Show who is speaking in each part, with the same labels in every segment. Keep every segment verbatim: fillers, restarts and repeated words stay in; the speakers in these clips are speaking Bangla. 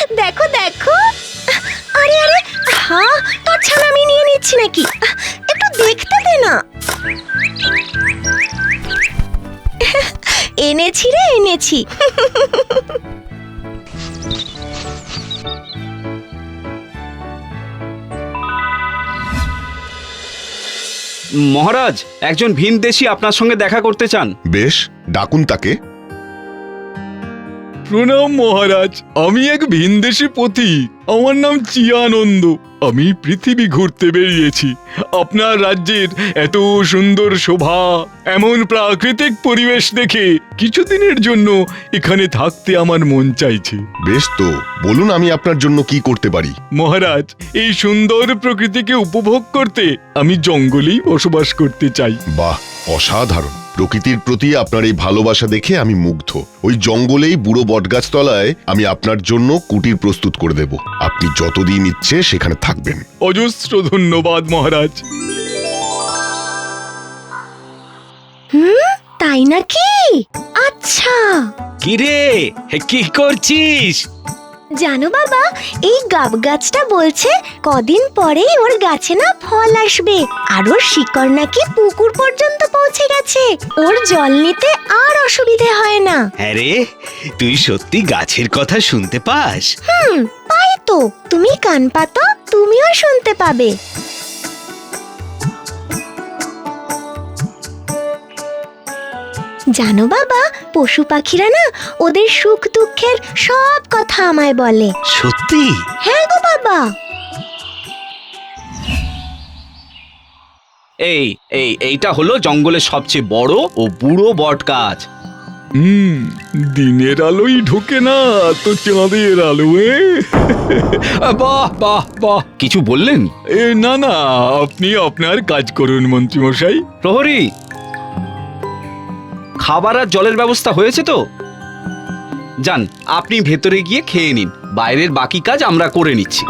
Speaker 1: দেখো দেখো, আরে আরে, হ্যাঁ তোর ছানা আমি নিয়ে নিচ্ছি নাকি, একটু দেখতে দে না। এনেছি রে এনেছি।
Speaker 2: মহারাজ, একজন ভিনদেশী আপনার সঙ্গে দেখা করতে চান।
Speaker 3: বেশ, ডাকুন তাকে।
Speaker 4: প্রণাম মহারাজ, আমি এক ভিনদেশী পথিক। আমার নাম চিয়ানন্দ। আমি পৃথিবী ঘুরতে বেরিয়েছি। আপনার রাজ্যের এত সুন্দর শোভা, এমন প্রাকৃতিক পরিবেশ দেখে কিছুদিনের জন্য এখানে থাকতে আমার মন চাইছে।
Speaker 3: বেশ তো, বলুন আমি আপনার জন্য কি করতে পারি।
Speaker 4: মহারাজ, এই সুন্দর প্রকৃতিকে উপভোগ করতে আমি জঙ্গলেই বসবাস করতে চাই।
Speaker 3: বাহ, অসাধারণ। প্রকৃতির প্রতি আপনার এই ভালোবাসা দেখে আমি মুগ্ধ। ওই জঙ্গলেই বুড়ো বটগাছ তলায় আমি আপনার জন্য কুটির প্রস্তুত করে দেব। আপনি যতদিন ইচ্ছে সেখানে থাকবেন।
Speaker 4: অজস্র ধন্যবাদ মহারাজ।
Speaker 1: হুম, তাই নাকি? আচ্ছা।
Speaker 2: কিরে, কি করছিস?
Speaker 1: জানো বাবা, এই গাব গাছটা বলছে কদিন পরেই ওর গাছে না ফল আসবে, আর ওর শিকড় নাকি পুকুর পর্যন্ত পৌঁছে গেছে। ওর জল নিতে আর অসুবিধে হয় না।
Speaker 5: আরে, তুই সত্যি গাছের কথা শুনতে পাস?
Speaker 1: হুম, পাই তো। তুমি কান পাতো, তুমিও শুনতে পাবে। জানো বাবা, পশু পাখিরা না ওদের সুখ দুঃখের সব কথা আমায় বলে।
Speaker 5: সত্যি?
Speaker 1: হ্যাঁ গো বাবা।
Speaker 2: এই এই এইটা হলো জঙ্গলের সবচেয়ে বড় ও বুড়ো বট গাছ।
Speaker 4: হুম, দিনের আলোই ঢোকে না তো চাঁদের আলো। এ
Speaker 2: বাহ বাহ বাহ, কিছু বললেন?
Speaker 4: এ না না, আপনি আপনার কাজ করুন মন্ত্রীমশাই।
Speaker 2: প্রহরী, খাবার আর জলের ব্যবস্থা হয়েছে তো? যান, আপনি ভেতরে গিয়ে খেয়ে নিন, বাইরের বাকি কাজ আমরা করে নিচ্ছি।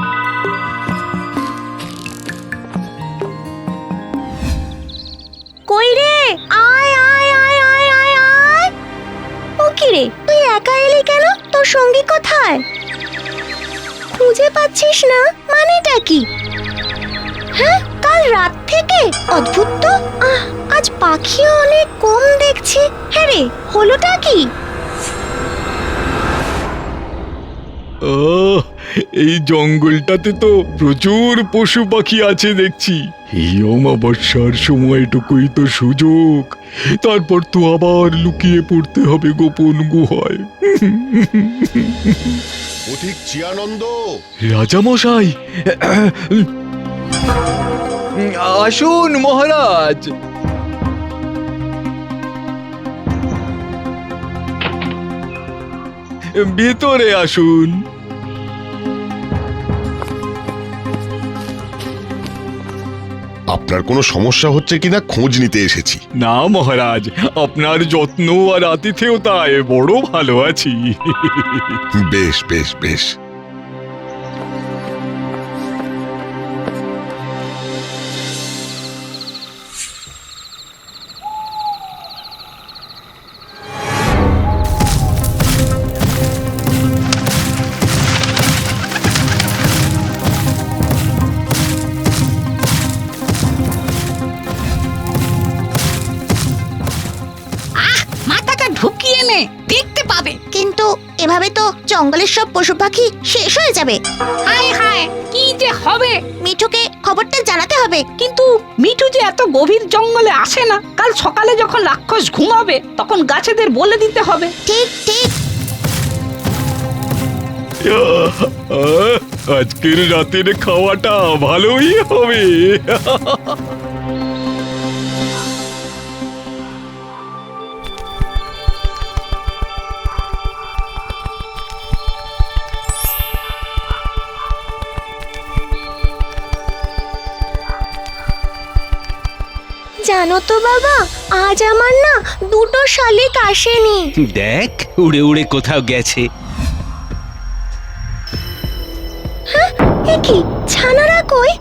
Speaker 1: কই রে, আয় আয় আয় আয় আয় আয়। ও কি রে, তুই একা এলি কেন? তোর সঙ্গী কোথায়? খুঁজে পাচ্ছিস না? মানেটা কি? হ্যাঁ, কাল রাত থেকে? অদ্ভুত তো। আহ, আজ পাখিও অনেক কম দেখছি। হ্যাঁ রে, হলোটা কি?
Speaker 4: আহ, এই জঙ্গলটাতে তো প্রচুর পশু পাখি আছে দেখছি। এই অমাবস্যার সময়টুকুই তো সুযোগ, তারপর তো আবার লুকিয়ে পড়তে হবে গোপন গুহায়।
Speaker 3: পথিক চিয়ানন্দ।
Speaker 4: রাজামশাই, আসুন মহারাজ। ভেতরে আসুন।
Speaker 3: আপনার কোনো সমস্যা হচ্ছে কিনা খোঁজ নিতে এসেছি।
Speaker 4: না মহারাজ, আপনার যত্ন আর আতিথেয়তায় বড় ভালো আছি।
Speaker 3: বেশ বেশ বেশ।
Speaker 6: মাথাটা ঢুকিয়ে নে, দেখতে পাবে।
Speaker 1: কিন্তু এভাবে তো জঙ্গলের সব পশু পাখি শেষ হয়ে যাবে।
Speaker 6: হায় হায়, কি যে হবে।
Speaker 1: মিঠুকে খবরটা জানাতে হবে।
Speaker 6: কিন্তু মিঠু যে এত গভীর জঙ্গলে আসে না। কাল সকালে যখন রাক্ষস ঘুমাবে তখন গাছেদের বলে দিতে হবে।
Speaker 1: ঠিক ঠিক।
Speaker 4: আহ, আজকের রাতের খাওয়াটা ভালোই হবে।
Speaker 1: জানো তো বাবা, আজ আমার না দুটো শালিক আসেনি।
Speaker 5: দেখ, উড়ে উড়ে কোথাও গেছে।
Speaker 1: এ কি, ছানারা কই?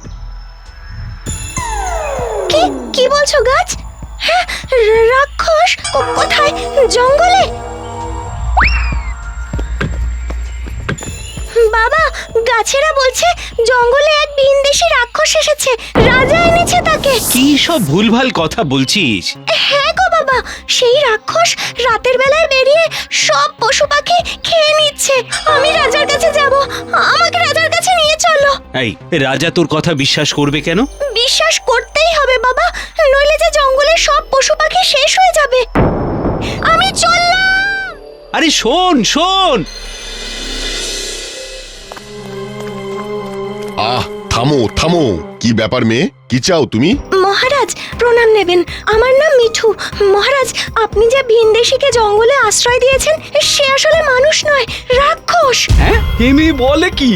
Speaker 1: কি কি বলছো গাছ? হ্যাঁ, রা- রাক্ষস কো- কোথায়? জঙ্গলে? বাবা, গাছেরা বলছে জঙ্গলে এক ভিনদেশী রাক্ষস এসেছে, রাজা এনেছে তাকে।
Speaker 5: কি সব ভুলভাল কথা বলছিস?
Speaker 1: হ্যাঁ গো বাবা, সেই রাক্ষস রাতের বেলায় বেরিয়ে সব পশু পাখি খেয়ে নিচ্ছে। আমি রাজার কাছে যাব, আমাকে রাজার কাছে নিয়ে চলো।
Speaker 5: এই রাজা তোর কথা বিশ্বাস করবে কেন?
Speaker 1: বিশ্বাস করতেই হবে বাবা, নইলে যে জঙ্গলের সব পশু পাখি শেষ হয়ে যাবে। আমি চললাম।
Speaker 5: আরে শোন শোন,
Speaker 3: আহ থামো থামো, কি ব্যাপার মেয়ে, কি চাও তুমি?
Speaker 1: মহারাজ প্রণাম নেবেন, আমার নাম মিঠু। মহারাজ, আপনি যে ভিনদেশীকে জঙ্গলে আশ্রয় দিয়েছেন সে আসলে মানুষ নয়, রাক্ষস।
Speaker 2: হ্যাঁ, এমনি বলে কি?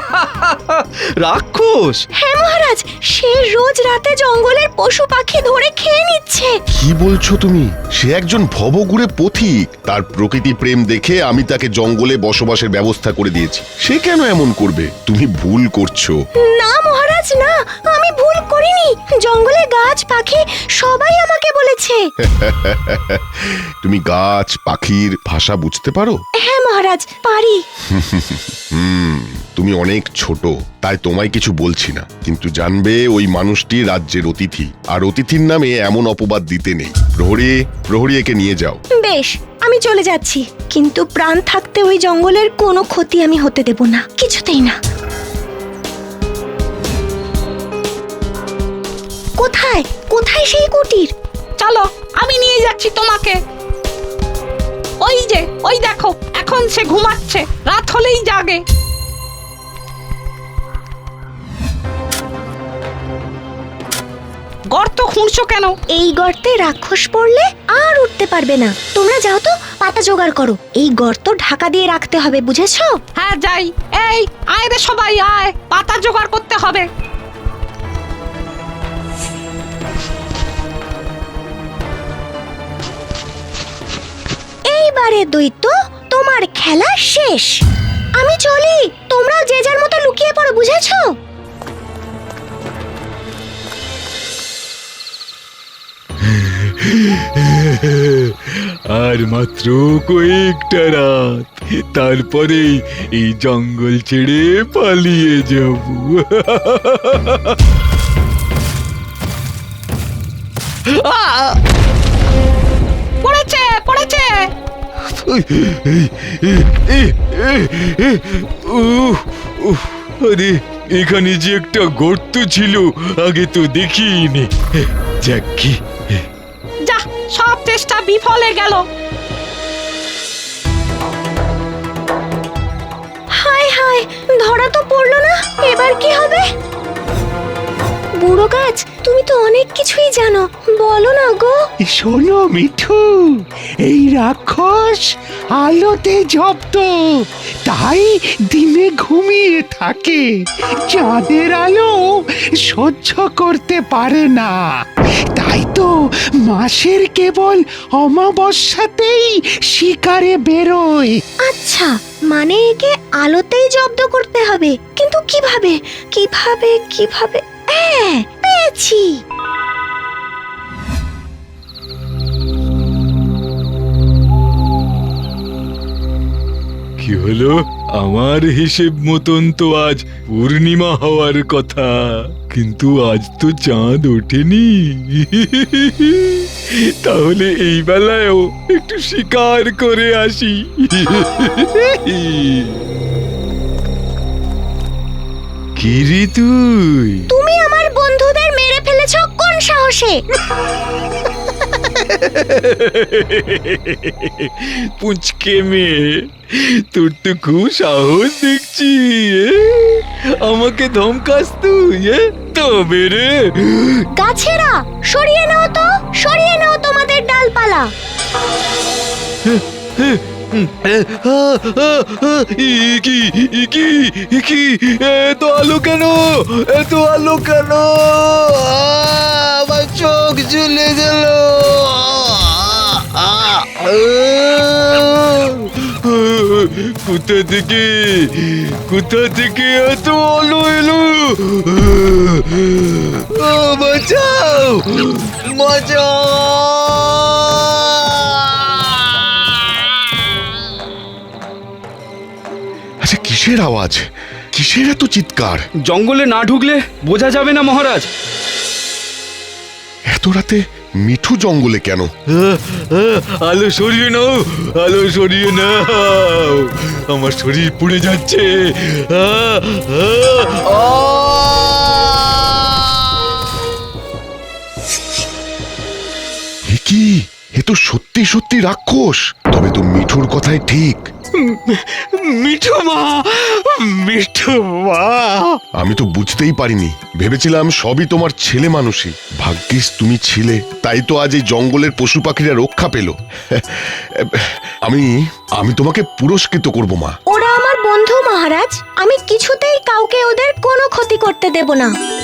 Speaker 2: রাক্ষস?
Speaker 1: হ্যাঁ মহারাজ, সে রোজ রাতে জঙ্গলের পশু পাখি ধরে খেয়ে নিচ্ছে।
Speaker 3: কি বলছো তুমি? সে একজন ভবঘুরে পথিক, তার প্রকৃতি প্রেম দেখে আমি তাকে জঙ্গলে বসবাসের ব্যবস্থা করে দিয়েছি। সে কেন এমন করবে? তুমি ভুল করছো।
Speaker 1: না মহারাজ না, আমি ভুল করিনি। জঙ্গলে গাছ পাখি সবাই আমাকে বলেছে।
Speaker 3: তুমি গাছ পাখির ভাষা বুঝতে পারো?
Speaker 1: হ্যাঁ মহারাজ, পারি।
Speaker 3: হুম, তুমি অনেক ছোট, তাই তোমায় কিছু বলছি না, কিন্তু জানবে ওই মানুষটি রাজ্যের অতিথি, আর অতিথির নামে এমন অপবাদ দিতে নেই। প্রহরী, প্রহরী একে নিয়ে যাও।
Speaker 1: বেশ, আমি চলে যাচ্ছি, কিন্তু প্রাণ থাকতে ওই জঙ্গলের কোনো ক্ষতি আমি হতে দেব না, কিছুতেই না। কোথায় কোথায় সেই কুটির?
Speaker 6: চলো, আমি নিয়ে যাচ্ছি তোমাকে। ওই যে, ওই দেখো, এখন সে ঘুমাচ্ছে, রাত হলেই জাগে। গর্ত খুঁড়ছো কেন?
Speaker 1: এই গর্তে রাক্ষস পড়লে আর উঠতে পারবে না। তোমরা যাও তো, পাতা জোগাড় করো। এই গর্ত ঢাকা দিয়ে রাখতে হবে, বুঝেছো?
Speaker 6: হ্যাঁ যাই। এই আয় রে সবাই আয়, পাতা জোগাড় করতে হবে।
Speaker 1: এইবারে দৈত্য, তোমার খেলা শেষ। আমি চলি, তোমরাও যে যার মতো লুকিয়ে পড়ো, বুঝেছো?
Speaker 4: আর মাত্র কয়েকটা রাত, তারপরে এই জঙ্গল ছেড়ে পালিয়ে যাব।
Speaker 6: পড়েছে পড়েছে।
Speaker 4: উহ, উহ, আরে এখানে যে একটা গর্ত ছিল, আগে তো দেখিনি। যাক কি,
Speaker 6: যা, সব চেষ্টা বিফলে গেল।
Speaker 1: হায় হায়, ধরা তো পড়লো না, এবার কি হবে? বুড়ো গাছ, তুমি তো অনেক কিছুই জানো, বলো না গো।
Speaker 7: শোনো মিঠু, এই রাক্ষস আলোতে জব্দ, তাই দিনে ঘুমিয়ে থাকে, চাঁদের আলো সহ্য করতে পারে না। তাই তো মাসের কেবল অমাবস্যাতেই শিকারে বেরোয়।
Speaker 1: আচ্ছা, মানে একে আলোতেই জব্দ করতে হবে, কিন্তু কিভাবে কিভাবে কিভাবে? হ্যাঁ, পেয়েছি।
Speaker 4: কি হলো? আমার হিসেব মতন তো আজ পূর্ণিমা হওয়ার কথা, কিন্তু আজ তো চাঁদ ওঠেনি। তাহলে এই বেলায়ও একটু শিকার করে আসি। কি রে তুই?
Speaker 1: তুমি আমার বন্ধুদের মেরে ফেলেছো কোন সাহসে?
Speaker 4: পুচকে মেয়ে, তোর তো খুব সাহস দেখছি। এ? আমাকে ধমকাস তুই? এ? তবে রে,
Speaker 1: গাছেরা সরিয়ে নাও তো, সরিয়ে নাও তোমাদের ডালপালা।
Speaker 4: ই কি ই কি ই কি, এত আলো কেন, এত আলো কেন? আমার চোখ জ্বলে গেল। কোথা থেকে কোথা থেকে এত আলো এলো? ও বাঁচাও, বাঁচাও!
Speaker 3: আচ্ছা, কিসের আওয়াজ? কিসের এত চিৎকার?
Speaker 2: জঙ্গলে না ঢুকলে বোঝা যাবে না মহারাজ।
Speaker 3: এত রাতে মিঠু জঙ্গলে কেন?
Speaker 4: আলো সরিয়ে নাও, আলো সরিয়ে নাও, আমার শরীর পুড়ে যাচ্ছে। আহ, আহ,
Speaker 3: এ কি? এ তো সত্যি সত্যি রাক্ষস। তবে তো মিঠুর কথাই ঠিক।
Speaker 7: মিঠু মা, মিঠু মা।
Speaker 3: আমি তো বুঝতেই পারিনি, ভেবেছিলাম সবই তোমার ছেলে মানুষই। ভাগ্যিস তুমি ছিলে, তাই তো আজ এই জঙ্গলের পশু পাখিরা রক্ষা পেল। আমি আমি তোমাকে পুরস্কৃত করব মা।
Speaker 1: ওরা আমার বন্ধু মহারাজ, আমি কিছুতেই কাউকে ওদের কোনো ক্ষতি করতে দেব না।